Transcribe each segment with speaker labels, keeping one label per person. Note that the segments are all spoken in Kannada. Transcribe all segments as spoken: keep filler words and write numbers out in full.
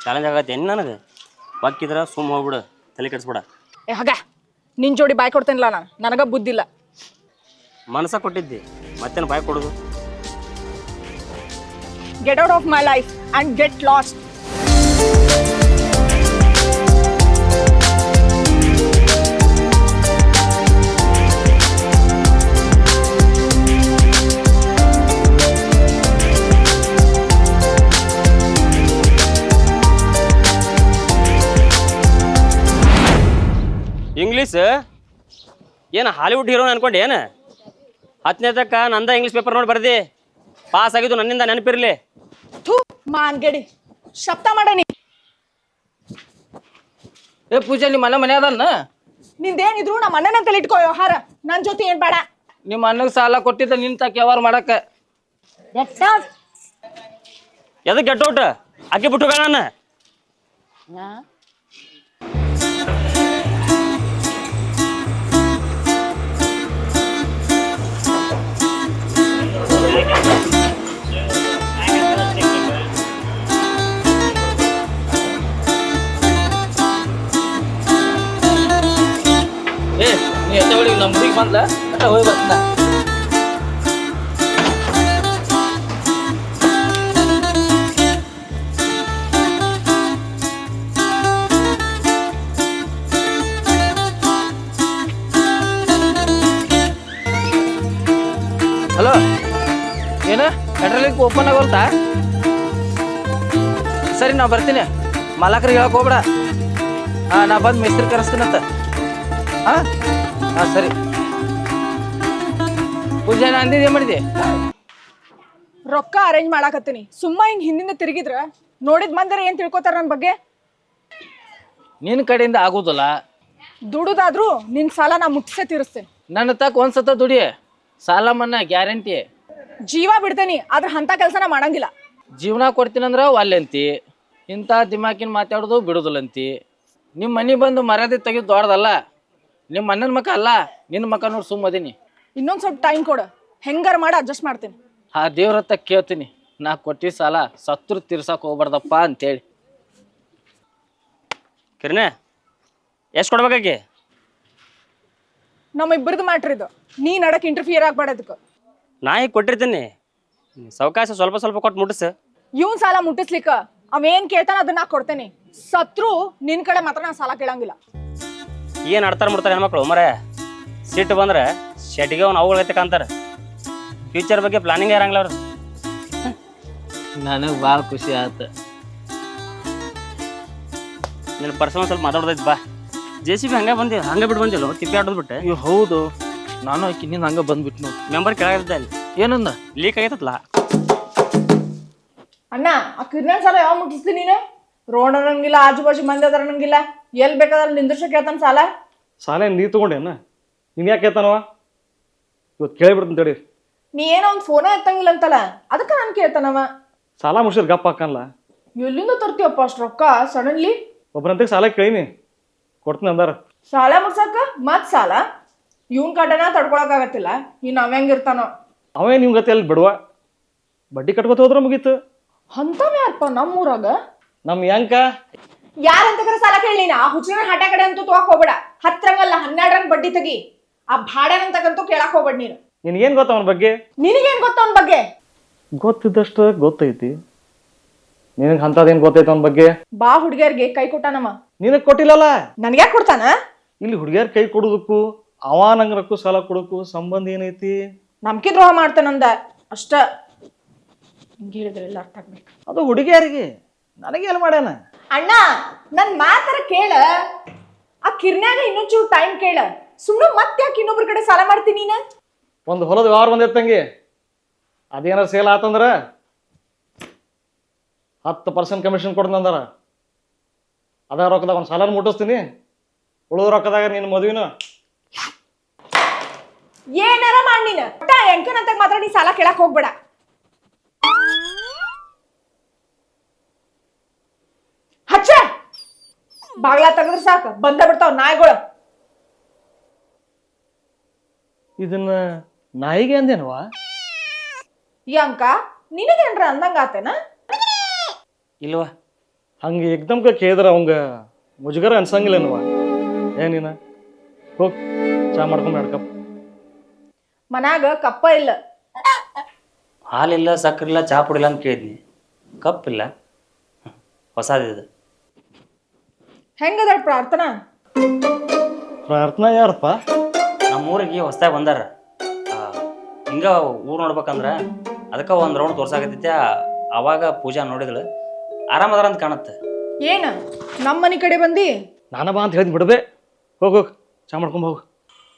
Speaker 1: ಚಾಲೆಂಜ್ ಆಗತ್ತೆ ಏನು ನನಗೆ ಬಾಕಿದ್ರ ಸುಮ್ಮ ಹೋಗ್ಬಿಡು ತಲೆ ಕೆಡಿಸ್ಬಿಡ.
Speaker 2: ಏ ಹಾಗ ನಿನ್ ಜೋಡಿ ಬಾಯ್ ಕೊಡ್ತೇನಿಲ್ಲ ನಾನು, ನನಗ ಬುದ್ಧಿಲ್ಲ.
Speaker 1: ಮನಸ್ಸ ಕೊಟ್ಟಿದ್ದಿ ಮತ್ತೇನು ಬಾಯ್ ಕೊಡೋದು?
Speaker 2: Get out of my life and get lost.
Speaker 1: English ಏನು ಹಾಲಿವುಡ್ ಹೀರೋನ್ ಅನ್ಕೊಂಡು ಏನು? ಹತ್ತನೇ ತಕ್ಕ ನಂದ ಇಂಗ್ಲೀಷ್ ಪೇಪರ್ ನೋಡಿ ಬರ್ದಿ ಪಾಸ್ ಆಗಿದ್ದು ನನ್ನಿಂದ ನೆನಪಿರ್ಲಿ.
Speaker 2: ಥೂ ಮಾನ್ಗೆಡಿ ಶಬ್ದ ಮಾಡನಿ.
Speaker 3: ಏ ಪೂಜೆ ನಿಮ್ಮ ಅಣ್ಣ ಮನೆ ಅದನ್ನ?
Speaker 2: ನಿಂದೇನಿದ್ರು ನಮ್ಮ ಅಣ್ಣನಂತಲ್ಲಿ ಇಟ್ಕೋ ವ್ಯವಹಾರ, ನನ್ನ ಜೊತೆ ಏನ್ ಬೇಡ.
Speaker 3: ನಿಮ್ಮ ಅಣ್ಣಗೆ ಸಾಲ ಕೊಟ್ಟಿದ್ದ ನಿನ್ ತಕ್ಕ ವ್ಯವಹಾರ ಮಾಡಕ್ಕ.
Speaker 1: ಎದಕ್ಕೆ ಗೆಟ್ ಔಟ್ ಅಕ್ಕಿ ಬಿಟ್ಟು ನಾನು
Speaker 3: ಏ ನೀ ಎತ್ತ ಹೊಡಿಗೆ ನಮ್ಮ ಹುಡುಗಿ ಬಂದ್ಲ ಅಟ್ಟ ಹೋಗಿ ಬರ್ತಿದ್ದ. ಹಲೋ ಏನ ಪೆಟ್ರೋಲಿಂಗ್ ಓಪನ್ ಆಗೋಲ್ತಾ? ಸರಿ ನಾ ಬರ್ತೀನಿ, ಮಾಲಕರಿಗೆ ಹೇಳಕ್ ಹೋಗ್ಬೇಡ. ಹಾ ನಾ ಬಂದು ಮಿಸ್ತ್ರಿ ಕರೆಸ್ತೀನಂತ. ಹಾ ಹಾ ಸರಿ. ಪೂಜೆ ನಾ ಅಂದಿದ್ದು ಏನು ಮಾಡಿದೆ?
Speaker 2: ರೊಕ್ಕ ಅರೇಂಜ್ ಮಾಡಾಕತ್ತೀನಿ. ಸುಮ್ಮ ಹಿಂಗ್ ಹಿಂದಿಂದ ತಿರುಗಿದ್ರ ನೋಡಿದ್ ಮಂದಿರ ಏನ್ ತಿಳ್ಕೊತಾರ ನನ್ನ ಬಗ್ಗೆ?
Speaker 3: ನಿನ್ನ ಕಡೆಯಿಂದ ಆಗೋದಿಲ್ಲ.
Speaker 2: ದುಡುದಾದ್ರೂ ನಿನ್ ಸಾಲ ನಾ ಮುಟ್ಸೇ ತೀರಿಸ್ತೇನೆ.
Speaker 3: ನನ್ನ ತಕ್ಕ ಒಂದ್ಸತ ದುಡಿ, ಸಾಲ ಮನ್ನಾ ಗ್ಯಾರಂಟಿ.
Speaker 2: ಜೀವ ಬಿಡ್ತೇನಿ ಆದ್ರೆ ಅಂತ ಕೆಲಸನ ಮಾಡಂಗಿಲ್ಲ.
Speaker 3: ಜೀವನ ಕೊಡ್ತೀನಂದ್ರ ಅಲ್ಲಂತಿ, ಇಂಥ ದಿಮಾಕಿನ ಮಾತಾಡೋದು ಬಿಡೋದಿಲ್ಲಂತಿ. ನಿಮ್ಮ ಮನೆ ಬಂದು ಮರ್ಯಾದೆ ತೆಗೆದು ದೊಡ್ಡದಲ್ಲ. ನಿಮ್ಮ ಅಣ್ಣನ ಮಕ್ಕ ಅಲ್ಲ, ನಿನ್ನ ಮಕ್ಕ ನೋಡಿ ಸುಮ್ಮದೀನಿ.
Speaker 2: ಇನ್ನೊಂದ್ ಸ್ವಲ್ಪ ಟೈಮ್ ಕೊಡು, ಹೆಂಗಾರ ಮಾಡಿ ಅಡ್ಜಸ್ಟ್ ಮಾಡ್ತೀನಿ.
Speaker 3: ಆ ದೇವ್ರ ಹತ್ತ ಕೇಳ್ತೀನಿ, ನಾ ಕೊಟ್ಟಿ ಸಾಲ ಸತ್ರು ತೀರ್ಸಕ್ ಹೋಗ್ಬಾರ್ದಪ್ಪ ಅಂತೇಳಿ.
Speaker 1: ಕಿರಣೆ ಎಷ್ಟು ಕೊಡ್ಬೇಕಾಕಿ?
Speaker 2: ನಮ್ಮ ಇಬ್ಬರದು ಮ್ಯಾಟ್ರ್ ಇದು, ನೀ ನಡಕ್ ಇಂಟರ್ಫಿಯರ್ ಆಗ್ಬೇಡ ಅದಕ್ಕೆ.
Speaker 1: ನಾ ಈಗ ಕೊಟ್ಟಿರ್ತೀನಿ, ಸಾವಕಾಶ ಸ್ವಲ್ಪ ಸ್ವಲ್ಪ ಕೊಟ್ಟು ಮುಟ್ಟಿಸ.
Speaker 2: ಇವನ್ ಸಾಲ ಮುಟ್ಟಿಸ್ಲಿಕ್ಕ ಅವೇನ್ ಕೇಳ್ತಾನ ಅದನ್ನ ನಾ ಕೊಡ್ತೇನೆ. ಸತ್ರು ನಿನ್ ಕಡೆ ಮಾತ್ರ ನಾ ಸಾಲ ಕೇಳಂಗಿಲ್ಲ.
Speaker 1: ಏನು ಆಡ್ತಾರೆ ಮಾಡ್ತಾರೆ ಹೆಣ್ಮಕ್ಳು ಮರೆ. ಸಿಟ್ಟು ಬಂದ್ರೆ ಶೆಟ್ಟಿಗೆ ಅವ್ನು ಅವುಗಳೈತೆ ಕಾಂತಾರೆ. ಫ್ಯೂಚರ್ ಬಗ್ಗೆ ಪ್ಲಾನಿಂಗ್ ಇರಂಗಿಲ್ಲ ಅವ್ರು.
Speaker 3: ನನಗೆ ಭಾಳ ಖುಷಿ ಆಯ್ತು.
Speaker 1: ನಿನ್ನ ಪರ್ಸನಲ್ ಸ್ವಲ್ಪ ಮಾತಾಡ್ದೈತಿ ಬಾ. ಜೆ ಸಿ ಬಿ ಹಂಗೆ ಬಂದಿ ಹಂಗೆ ಬಿಟ್ಟು ಬಂದಿಲ್ಲ ತಿಪ್ಪಿ ಆಡೋದು ಬಿಟ್ಟೆ.
Speaker 3: ಅಯ್ಯೋ ಹೌದು, ನಾನು ಆಕಿ ನಿನ್ನ ಹಂಗೆ ಬಂದ್ಬಿಟ್ಟು ನೋಡಿ.
Speaker 1: ಮೆಂಬರ್ ಕೆಳಗಿದ್ದೆ ಅಲ್ಲಿ
Speaker 3: ಏನಂದ?
Speaker 1: ಲೀಕ್ ಆಗೈತಲ್ಲ.
Speaker 2: ಅಣ್ಣ ಆ ಕಿರ್ನಾನ್ ಸಾಲ ಯಾವ ಮುಟ್ಟಿಸ್ತೀನಿ ನೀನು? ರೋಡ್ ಅನ್ನಂಗಿಲ್ಲ, ಆಜು ಬಾಜು ಮಂದಿ ಅದಾರ ಅನ್ನಂಗಿಲ್ಲ, ಎಲ್ಲಿ ಬೇಕಾದ್ರೆ ನಿಂದ್ರಸ ಕೇಳ್ತಾನ ಸಾಲ.
Speaker 4: ಸಾಲ ಏನು ನೀ ತೊಗೊಂಡೇನ? ನೀನು ಯಾಕೆ ಕೇಳ್ತಾನವ? ಇವತ್ತು ಕೇಳಿಬಿಡ್ತೀನಿ ತಡಿ.
Speaker 2: ನೀ ಏನೋ ಒಂದು ಫೋನ ಎತ್ತಂಗಿಲ್ಲ ಅಂತಲ್ಲ, ಅದಕ್ಕೆ ನಾನು ಕೇಳ್ತಾನವ.
Speaker 4: ಸಾಲ ಮುಗಿಸಿದ್ರೆ ಗಪ್ಪ ಹಾಕಲ್ಲ.
Speaker 2: ಎಲ್ಲಿಂದ ತರ್ತೀಯಪ್ಪ ಅಷ್ಟು ರೊಕ್ಕ ಸಡನ್ಲಿ?
Speaker 4: ಒಬ್ಬರಂತೆ ಸಾಲ ಕೇಳೀನಿ, ಕೊಡ್ತೀನಿ ಅಂದಾರ.
Speaker 2: ಸಾಲ ಮುಗ್ಸಾಕ ಮತ್ ಸಾಲ? ಇವನ್ ಕಡೆನ ತಡ್ಕೊಳಕಾಗತ್ತಿಲ್ಲ, ಇನ್ನು ಅವ ಹೆಂಗಿರ್ತಾನೋ.
Speaker 4: ಅವೇ ನಿಮ್ ಗತಿ ಅಲ್ಲಿ ಬಿಡುವ, ಬಡ್ಡಿ ಕಟ್ಕೊತ ಹೋದ್ರೆ ಮುಗೀತು.
Speaker 2: ಅಂತವ್ ಯಾರಪ್ಪ ನಮ್ಮೂರಾಗ?
Speaker 4: ನಮ್ಮ ಯಂಕ
Speaker 2: ಯಾರಂತ ಕರೆ ಸಾಲ ಕೇಳಿನ? ಆ ಹುಚ್ಚಿನ ಹಠ ಕಡೆ ಅಂತೂ ತಗೋಕ್ ಹೋಗ್ಬೇಡ. ಹತ್ತರಂಗಲ್ಲ ಹನ್ನೆರಡರಂಗ್ ಬಡ್ಡಿ ತೆಗಿ. ಆ ಭಾಡ್ಯನಂತಕ್ಕಂತೂ ಕೇಳಕ್ ಹೋಗ್ಬೇಡ ನೀನು.
Speaker 4: ನಿನಗೇನು ಗೊತ್ತ ಅವನ ಬಗ್ಗೆ?
Speaker 2: ನಿನಗೇನ್ ಗೊತ್ತ ಅವನ ಬಗ್ಗೆ?
Speaker 4: ಗೊತ್ತಿದ್ದಷ್ಟು ಗೊತ್ತೈತಿ. ನಿನಗೆ ಅಂಥದ್ದೇನು ಗೊತ್ತೈತೆ ಅವನ ಬಗ್ಗೆ?
Speaker 2: ಬಾ ಹುಡುಗಿಯರ್ಗೆ ಕೈ ಕೊಟ್ಟಾನಮ್ಮ.
Speaker 4: ನಿನಗೆ ಕೊಟ್ಟಿಲ್ಲಲ್ಲ,
Speaker 2: ನನ್ಗ್ಯಾಕೆ ಕೊಡ್ತಾನ?
Speaker 4: ಇಲ್ಲಿ ಹುಡುಗಿಯರ್ ಕೈ ಕೊಡೋದಕ್ಕೂ ಅವ ನಂಗರಕ್ಕೂ ಸಾಲ ಕೊಡೋಕ್ಕೂ ಸಂಬಂಧ ಏನೈತಿ?
Speaker 2: ನಂಬಿಕೆ ದ್ರೋಹ ಮಾಡ್ತಾನಂದ ಅಷ್ಟ. ಹಿಂಗೆ ಹೇಳಿದ್ರೆಲ್ಲ ಅರ್ಥ ಆಗ್ಬೇಕು.
Speaker 4: ಅದು ಹುಡುಗಿಯರಿಗೆ, ನನಗೇನು ಮಾಡ್ಯಾನ?
Speaker 2: ಅಣ್ಣ ನನ್ ಮಾತರ ಕೇಳ. ಆ ಕಿರ್ನ್ಯಾಗ ಇನ್ನೊಂಚೂರು ಟೈಮ್ ಕೇಳ. ಸುಮ್ಮನೆ ಮತ್ತೆ ಯಾಕೆ ಇನ್ನೊಬ್ರ ಕಡೆ ಸಾಲ ಮಾಡ್ತೀನಿ ನೀನ?
Speaker 4: ಒಂದು ಹೊಲದ ವ್ಯವಹಾರ ಬಂದಿರ್ತಂಗಿ, ಅದೇನಾರ ಸೇಲ್ ಆತಂದ್ರ ಹತ್ತು ಪರ್ಸೆಂಟ್ ಕಮಿಷನ್ ಕೊಡ್ತಂದಾರ. ಅದ ರೊಕ್ಕದಾಗ ಒಂದು ಸಾಲ ಮುಟ್ಟಿಸ್ತೀನಿ, ಉಳಿದ ರೊಕ್ಕದಾಗ ನಿನ್ನ ಮದುವಿನ
Speaker 2: ಏನಾರ ಮಾಡಿ ನೀನು ಎಂಕನಂತ ಮಾತ್ರ ನೀ ಸಾಲ ಕೇಳಕ್ ಹೋಗ್ಬೇಡ. ಹಚ್ಚ ಬಾಗ್ಲಾ ತೆಗದ್ರ ಸಾಕ ಬಂದ ಬಿಡ್ತಾವ ನಾಯಿಗಳು.
Speaker 4: ಇದನ್ನ ನಾಯಿಗೆ ಅಂದೇನವಾ?
Speaker 2: ಈ ಅಂಕ ನಿನಗೇನ್ರ ಅಂದಂಗ ಆತೇನ?
Speaker 1: ಇಲ್ವಾ
Speaker 4: ಹಂಗೆ ಏಕ್ದಮ್ಕ ಕೇಳಿದ್ರೆ ಅವಂಗ ಮುಜುಗರ ಅನ್ಸಂಗಿಲ್ಲ ನೀವ ಏನಿನ ಹೋಗ್ ಚಾ ಮಾಡ್ಕೊಂಡ್ ಎರಡು ಕಪ್.
Speaker 2: ಮನ್ಯಾಗ ಕಪ್ಪ ಇಲ್ಲ.
Speaker 1: ಹಾಲಿಲ್ಲ ಸಕ್ಕರೆ ಇಲ್ಲ ಚಾ ಪುಡಿಲ್ಲ ಅಂತ ಕೇಳಿದ್ನಿ, ಕಪ್ಪಿಲ್ಲ. ಹೊಸದಿದೆ.
Speaker 2: ಹೆಂಗದ ಪ್ರಾರ್ಥನಾ?
Speaker 4: ಪ್ರಾರ್ಥನಾ ಯಾರಪ್ಪ?
Speaker 1: ನಮ್ಮೂರಿಗೆ ಹೊಸ್ದಾಗಿ ಬಂದಾರ. ಹಿಂಗ ಊರು ನೋಡ್ಬೇಕಂದ್ರ ಅದಕ್ಕೆ ಒಂದು ರೌಂಡ್ ತೋರ್ಸಾಕತ್ತೈತೆ. ಅವಾಗ ಪೂಜಾ ನೋಡಿದಳು, ಆರಾಮದಾರ ಅಂತ ಕಾಣುತ್ತೆ.
Speaker 2: ಏನ ನಮ್ಮ ಮನೆ ಕಡೆ ಬಂದಿ?
Speaker 4: ನಾನ ಬಾ ಅಂತ ಹೇಳಿದ್ ಬಿಡಬೇ. ಹೋಗ್ ಹೋಗ್ ಚಾ ಮಾಡ್ಕೊಂಡ್ ಹೋಗು.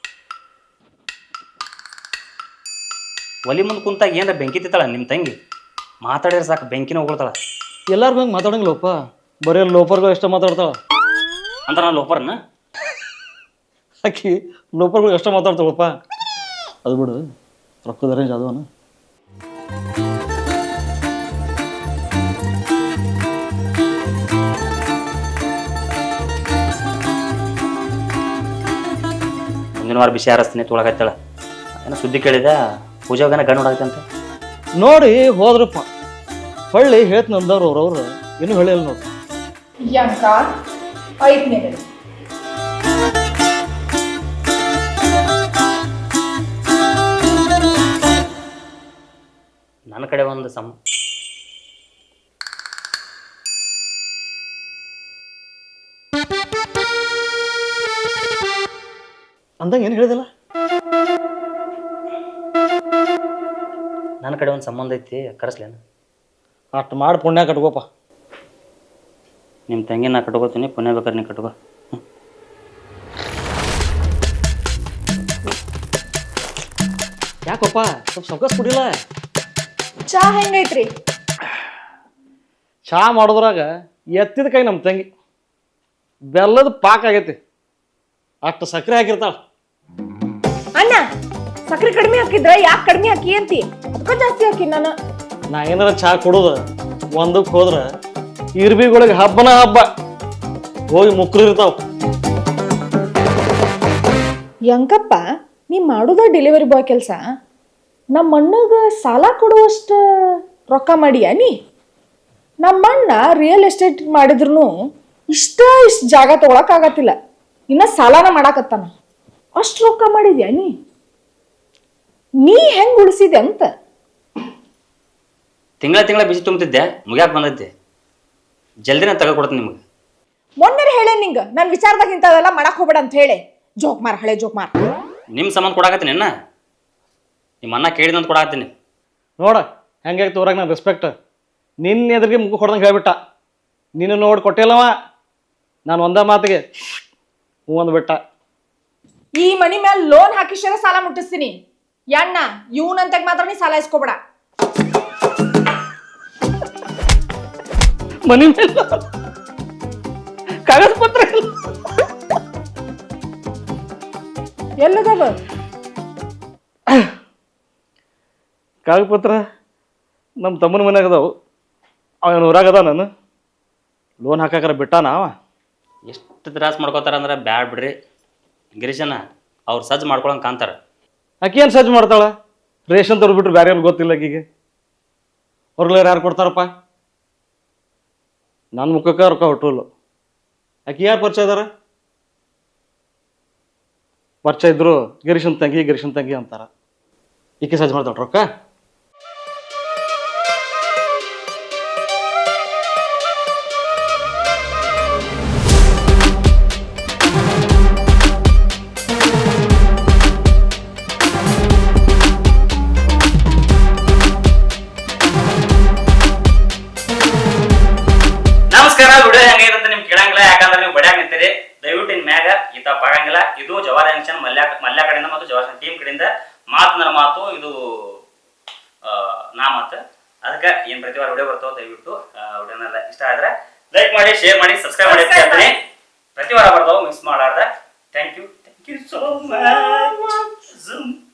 Speaker 1: ಒಲಿ ಮುಂದೆ ಕುಂತಾಗ ಏನಾರ ಬೆಂಕಿ ತಿತ್ತಾಳ ನಿಮ್ಮ ತಂಗಿ. ಮಾತಾಡಿದ್ರೆ ಸಾಕು ಬೆಂಕಿನ ಹೋಗ್ತಾಳ.
Speaker 4: ಎಲ್ಲಾರು ಹಂಗೆ ಮಾತಾಡಂಗಿಲ್ಲಪ್ಪ, ಬರೀ ಲೋಪರ್ಗಳು ಎಷ್ಟ ಮಾತಾಡ್ತಾಳ
Speaker 1: ಅಂದ್ರೆ ನಾನು ಲೋಪರ್ನ
Speaker 4: ಆಕಿ ಲೋಪರ್ಗಳು ಎಷ್ಟ ಮಾತಾಡ್ತಾಳಪ್ಪ. ಅದು ಬಿಡು, ರೊಕ್ಕದ ರೇಂಜ್ ಅದವನ.
Speaker 1: ಮುಂದಿನ ವಾರ ಬಿಸಿ ಹಾರಿಸ್ತೀನಿ ತೊಳಗತ್ತಾಳ. ಏನೋ ಸುದ್ದಿ ಕೇಳಿದ ಪೂಜಾಗನ ಗಂಡು ನೋಡಾಕಂತ
Speaker 4: ನೋಡಿ ಹೋದ್ರಪ್ಪ. ಹೊಳ್ಳಿ ಹೇಳ್ತ ನಂದವ್ರು ಅವ್ರವ್ರು ಇನ್ನೂ ಹೇಳಿಲ್ಲ ನೋಡಿ.
Speaker 2: ಯಂಕ ಐದನೇ
Speaker 1: ನನ್ನ ಕಡೆ ಒಂದು ಸಮ
Speaker 4: ಅಂದಂಗೆ ಏನು ಹೇಳಿದಿಲ್ಲ.
Speaker 1: ನನ್ನ ಕಡೆ ಒಂದು ಸಂಬಂಧ ಐತಿ, ಕರೆಸ್ಲೇನ?
Speaker 4: ಅಷ್ಟು ಮಾಡಿ ಪುಣ್ಯ ಕಟ್ಕೋಪ.
Speaker 1: ನಿಮ್ಮ ತಂಗಿ ನಾ ಕಟ್ಕೋತೀನಿ, ಪುಣ್ಯ ಬೇಕಾದ್ರೆ ನೀ ಕಟ್ಕೋ.
Speaker 4: ಯಾಕಪ್ಪ ಸ್ವಲ್ಪ ಸೌಕಸ್ ಕುಡಿಲ್ಲ?
Speaker 2: ಚಾ ಹೆಂಗೈತ್ರಿ?
Speaker 4: ಚಾ ಮಾಡೋದ್ರಾಗ ಎತ್ತಿದ ಕೈ ನಮ್ಮ ತಂಗಿ ಬೆಲ್ಲದ ಪಾಕ್ ಆಗೈತಿ, ಅಷ್ಟು ಸಕ್ಕರೆ ಹಾಕಿರ್ತಾಳ.
Speaker 2: ಅಣ್ಣ ಸಕ್ರೆ ಕಡಿಮೆ ಹಾಕಿದ್ರ ಯಾಕೆ ಕಡಿಮೆ ಹಾಕಿ ಅಂತಿ? ಅದಕ್ಕ ಜಾಸ್ತಿ ಹಾಕಿ ನಾನು.
Speaker 4: ನಾ ಏನಾರ ಚಾ ಕುಡುದ ಒಂದಕ್ಕೆ ಹೋದ್ರ ಇರ್ಬಿಗಳಿಗೆ ಹಬ್ಬನ ಹಬ್ಬ ಹೋಗಿ ಮುಕ್ರು ಇರ್ತಾವ.
Speaker 2: ಯಂಕಪ್ಪ ನೀ ಮಾಡುದ ಡೆಲಿವರಿ ಬಾಯ್ ಕೆಲಸ, ನಮ್ಮ ಅಣ್ಣಗ ಸಾಲ ಕೊಡುವಷ್ಟ ರೊಕ್ಕ ಮಾಡಿಯಾ ನೀ? ನಮ್ಮ ಅಣ್ಣ ರಿಯಲ್ ಎಸ್ಟೇಟ್ ಮಾಡಿದ್ರು ಇಷ್ಟ ಇಷ್ಟ ಜಾಗ ತಗೊಳಕ್ ಆಗತ್ತಿಲ್ಲ, ಇನ್ನ ಸಾಲನ ಮಾಡಾಕತ್ತಾನ. ಅಷ್ಟು ರೊಕ್ಕ ಮಾಡಿದ್ಯಾ ನೀ? ನೀ ಹೆಂಗ್ ಉಳಿಸಿದೆ ಅಂತ?
Speaker 1: ತಿಂಗಳ ತಿಂಗಳ ಬಿಸಿ ತುಂಬ್ತಿದ್ದೆ, ಮುಗ್ಯಾಕ ಬಂದೈತಿ. ಜಲ್ದಿನ ತಗೊಡ್ತೀನಿ ನಿಮಗೆ.
Speaker 2: ಮೊನ್ನೆ ಹೇಳೇ ನಿಂಗ ನನ್ನ ವಿಚಾರದಾಗ ಇಂಥದೆಲ್ಲ ಮಾಡಕ್ ಹೋಗ್ಬೇಡ ಅಂತ ಹೇಳಿ. ಜೋಕ್ ಮಾರ್, ಹಳೆ ಜೋಕ್ ಮಾರ್.
Speaker 1: ನಿಮ್ಮ ಸಂಬಂಧ ಕೊಡಾಕತ್ತೀನಿ ಅಣ್ಣ, ನಿಮ್ಮ ಅಣ್ಣ ಕೇಳಿದಂತ ಕೊಡಾಕತ್ತೀನಿ.
Speaker 4: ನೋಡ ಹೆಂಗಾಯ್ತು ತೋರಾಗ ನಾನು ರೆಸ್ಪೆಕ್ಟ್. ನಿನ್ನ ಎದುರಿಗೆ ಮುಖ ಹೊಡೆದಂಗೆ ಹೇಳ್ಬಿಟ್ಟ. ನೀನು ನೋಡಿ ಕೊಟ್ಟಿಲ್ಲವ, ನಾನು ಒಂದ ಮಾತಿಗೆ ಹೂ ಅಂದ್ಬಿಟ್ಟ.
Speaker 2: ಈ ಮನಿ ಮೇಲೆ ಲೋನ್ ಹಾಕಿಸ್ಯಾರ ಸಾಲ ಮುಟ್ಟಿಸ್ತೀನಿ. ಯಣ್ಣ ಇವನಂತಾಗ ಮಾತ್ರ ನೀ ಸಾಲ ಇಸ್ಕೋಬೇಡ.
Speaker 4: ಮನಿ ಮೇಲೆ ಕಾಗದ ಪತ್ರ
Speaker 2: ಎಲ್ಲದವ?
Speaker 4: ಕಾಗದ ಪತ್ರ ನಮ್ಮ ತಮ್ಮನ ಮನ್ಯಾಗ ಅದಾವು. ಅವನ ಊರಾಗ ಅದ. ನಾನು ಲೋನ್ ಹಾಕಾಕರ ಬಿಟ್ಟಾನ ಅವ.
Speaker 1: ಎಷ್ಟು ತ್ರಾಸ ಮಾಡ್ಕೋತಾರ ಅಂದ್ರೆ ಬ್ಯಾಡ್ ಬಿಡ್ರಿ ಗಿರೀಶನ. ಅವ್ರು ಸಜ್ಜು ಮಾಡ್ಕೊಳಂಗೆ ಕಾಣ್ತಾರ.
Speaker 4: ಆಕಿ ಏನು ಸಜ್ಜು ಮಾಡ್ತಾಳ? ರೇಷನ್ ತರ್ದು ಬಿಟ್ರು ಬೇರೆ ಗೊತ್ತಿಲ್ಲ ಆಕಿಗೆ. ಹೊರಗ್ಲಾರ ಯಾರು ಕೊಡ್ತಾರಪ್ಪ? ನನ್ನ ಮುಖಕ್ಕೆ ರೊಕ್ಕ ಹೊಟ್ಟುಲ್ಲ. ಆಕಿ ಯಾರು ಪರಿಚಯ ಇದಾರ? ಪರಿಚಯ ಇದ್ರು ಗಿರೀಶನ್ ತಂಗಿ ಗಿರೀಶನ್ ತಂಗಿ ಅಂತಾರ. ಈಕೆ ಸಜ್ಜು ಮಾಡ್ತಾಳ ರೊಕ್ಕ?
Speaker 1: ನಮಸ್ಕಾರ. ವಿಡಿಯೋ ಹೆಂಗೈತೆ ನಿಮ್ಗೆ ಕೇಳಂಗಿಲ್ಲ, ಯಾಕಂದ್ರೆ ನೀವು ಬಡ್ಯಾಗ ನಿಂತೀರಿ. ದಯವಿಟ್ಟು ಇನ್ ಮ್ಯಾಗ ಈ ತಪ್ಪ ಆಗಂಗಿಲ್ಲ. ಇದು ಜವಾರಿ ಜಂಕ್ಷನ್ ಮಲ್ಯ ಮಲ್ಯ ಕಡೆಯಿಂದ ಮತ್ತು ಜವಾರಿ ಟೀಮ್ ಕಡೆಯಿಂದ ಮಾತನಾರ ಮಾತು, ಇದು ನಾ ಮಾತು. ಅದಕ್ಕೆ ಏನ್ ಪ್ರತಿ ವಾರ ವಿಡಿಯೋ ಬರ್ತಾವ, ದಯವಿಟ್ಟು ವಿಡಿಯೋನೆಲ್ಲ ಇಷ್ಟ ಆದ್ರೆ ಲೈಕ್ ಮಾಡಿ, ಶೇರ್ ಮಾಡಿ, ಸಬ್ಸ್ಕ್ರೈಬ್ ಮಾಡಿ ಅಂತ ಹೇಳ್ತೀನಿ. ಪ್ರತಿ ವಾರ ಬರ್ತಾವ, ಮಿಸ್ ಮಾಡಾರ್ದ. Thank you thank you so much.